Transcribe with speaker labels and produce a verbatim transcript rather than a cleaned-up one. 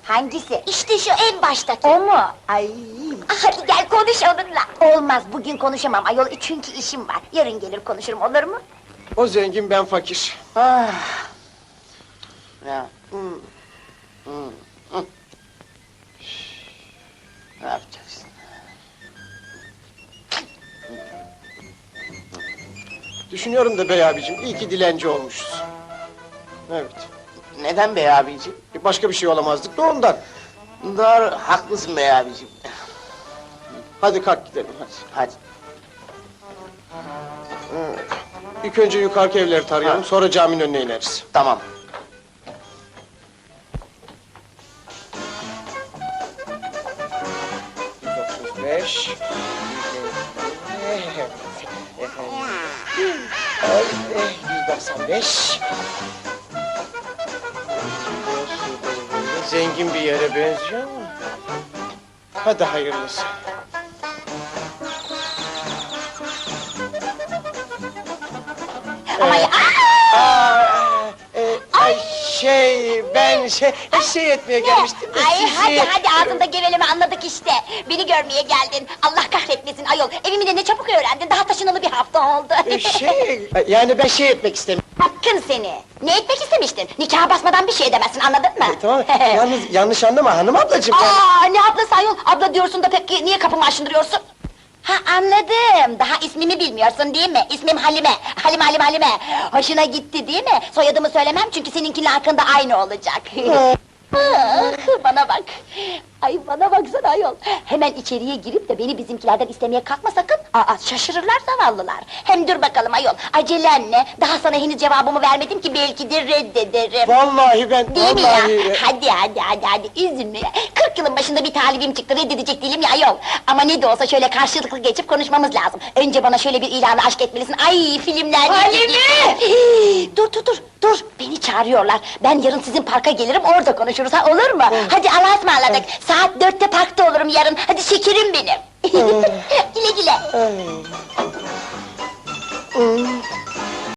Speaker 1: Hangisi?
Speaker 2: İşte şu en baştaki.
Speaker 1: O mu? Ay!
Speaker 2: Hadi gel konuş onunla.
Speaker 1: Olmaz, bugün konuşamam ayol, çünkü işim var. Yarın gelir konuşurum, olur mu?
Speaker 3: O zengin, ben fakir.
Speaker 1: Ah!
Speaker 4: Ya. Hmm. Hmm. Hmm. Ne yapacaksın?
Speaker 3: Düşünüyorum da bey abicim, iyi ki dilenci olmuşuz. Evet.
Speaker 4: Neden bey abicim?
Speaker 3: Başka bir şey olamazdık da ondan.
Speaker 4: Doğru, haklısın bey abicim.
Speaker 3: Hadi kalk gidelim, hadi.
Speaker 4: Hadi.
Speaker 3: İlk önce yukarıki evleri tarayalım,
Speaker 4: Ha.
Speaker 3: sonra caminin önüne ineriz.
Speaker 4: Tamam.
Speaker 3: yüz otuz beş... yüz doksan beş... Zengin bir yere benziyor ama... Hadi hayırlısı.
Speaker 2: Ama ya...
Speaker 3: Aa, e, ay şey, ben şey, şey etmeye gelmiştim de
Speaker 2: Ay
Speaker 3: sizi...
Speaker 2: hadi hadi ağzında geveleme anladık işte. Beni görmeye geldin. Allah kahretmesin ayol. Evimi de ne çabuk öğrendin. Daha taşınalı bir hafta oldu.
Speaker 3: E, şey, yani ben şey etmek istemiyorum.
Speaker 2: Hakkın seni. Ne etmek istemiştin? Nikaha basmadan bir şey edemezsin, anladın mı?
Speaker 3: E, tamam, yalnız yanlış anlama hanım ablacığım. ben-
Speaker 2: Aa, ne ablası ayol? Abla diyorsun da peki niye kapımı aşındırıyorsun? Ha anladım. Daha ismimi bilmiyorsun değil mi? İsmim Halime. Halime Halime Halime. Hoşuna gitti değil mi? Soyadımı söylemem çünkü seninkiyle hakkında aynı olacak. Ah, bana bak. Ay bana baksana ayol. Hemen içeriye girip de beni bizimkilerden istemeye kalkma sakın. Aa şaşırırlar zavallılar. Hem dur bakalım ayol. Acelen ne? Daha sana henüz cevabımı vermedim ki belki de reddederim.
Speaker 3: Vallahi ben,
Speaker 2: Değil mi
Speaker 3: vallahi...
Speaker 2: ya? Hadi hadi hadi hadi üzülme ya. Kırk yılın başında bir talibim çıktı, reddedecek değilim ya ayol. Ama ne de olsa şöyle karşılıklı geçip konuşmamız lazım. Önce bana şöyle bir ilanı aşk etmelisin. Ay filmler...
Speaker 1: Halime!
Speaker 2: Dur dur dur dur. Beni çağırıyorlar. Ben yarın sizin parka gelirim, orada konuşuruz ha, olur mu? Hadi Allah'a ısmarladık. Saat dörtte parkta olurum yarın. Hadi şekerim benim. Güle güle.
Speaker 3: Ay. Hmm.